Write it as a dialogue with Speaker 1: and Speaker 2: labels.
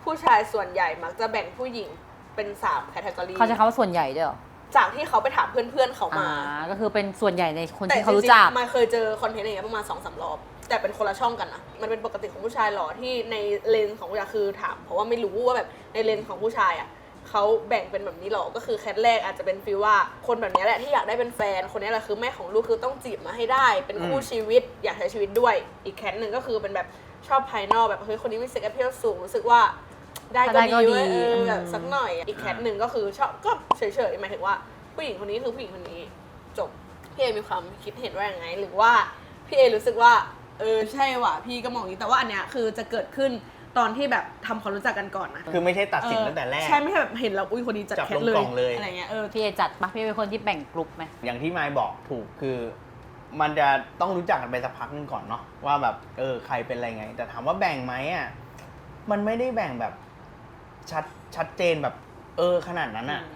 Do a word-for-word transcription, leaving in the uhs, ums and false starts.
Speaker 1: ผู้ชายส่วนใหญ่มักจะแบ่งผู้หญิงเป็นสามแคตตากรี
Speaker 2: เขาจะคำว่าส่วนใหญ่ด้วยเหรอ
Speaker 1: จากที่เขาไปถามเพื่อนๆเขามา
Speaker 2: ก็คือเป็นส่วนใหญ่ในคนที่เขารู้จัก
Speaker 1: มาเคยเจอคอนเทนต์อย่างเงี้ยประมาณสองสามรอบแต่เป็นคนละช่องกันนะมันเป็นปกติของผู้ชายหรอที่ในเลนส์ของผู้ชายคือถามเพราะว่าไม่รู้ว่าแบบในเลนส์ของผู้ชายอ่ะเขาแบ่งเป็นแบบนี้หรอก็คือแคทแรกอาจจะเป็นฟีลว่าคนแบบนี้แหละที่อยากได้เป็นแฟนคนนี้แหละคือแม่ของลูกคือต้องจีบมาให้ได้เป็นคู่ชีวิตอยากใช้ชีวิตด้วยอีกแคทหนึ่งก็คือเป็นแบบชอบภายนอกแบบเฮ้ยคนนี้มีเซ็กแอพเพิลสูงรู้สึกว่าได้ก็ดีเว้ยเออแบบสักหน่อยอีกแคทหนึ่งก็คือชอบก็เฉยๆหมายถึงว่าผู้หญิงคนนี้คือผู้หญิงคนนี้จบพี่เอมีความคิดเห็นว่าอย่างไงหรือว่าพี่เอรู้สึกว่าเออใช่ว่ะพี่ก็มองอย่างนี้แต่ว่าอันเนี้ยคือจะเกิดขึ้นตอนที่แบบทำความรู้จักกันก่อนนะ
Speaker 3: คือไม่ใช่ตัดสินตั้งแต่แรก
Speaker 1: ใช่ไม่ใช่แบบเห็นแล้วอุ้ยคนนี้จัดแคทเลยอะไรเงี้ยเออ
Speaker 2: พี่เอจัดปะพี่เป็นคนที่แบ่งกลุ่มไหม
Speaker 3: อย่างที่ไมค์บอกถูกคือมันจะต้องรู้จักกันไปสักพักนึงก่อนเนาะว่าแบบเออใครเป็นอะไรไงแต่ถามว่าแบ่งไหมอ่ะมันไม่ได้แบ่งแบบชัดชัดเจนแบบเออขนาดนั้นอ่ะ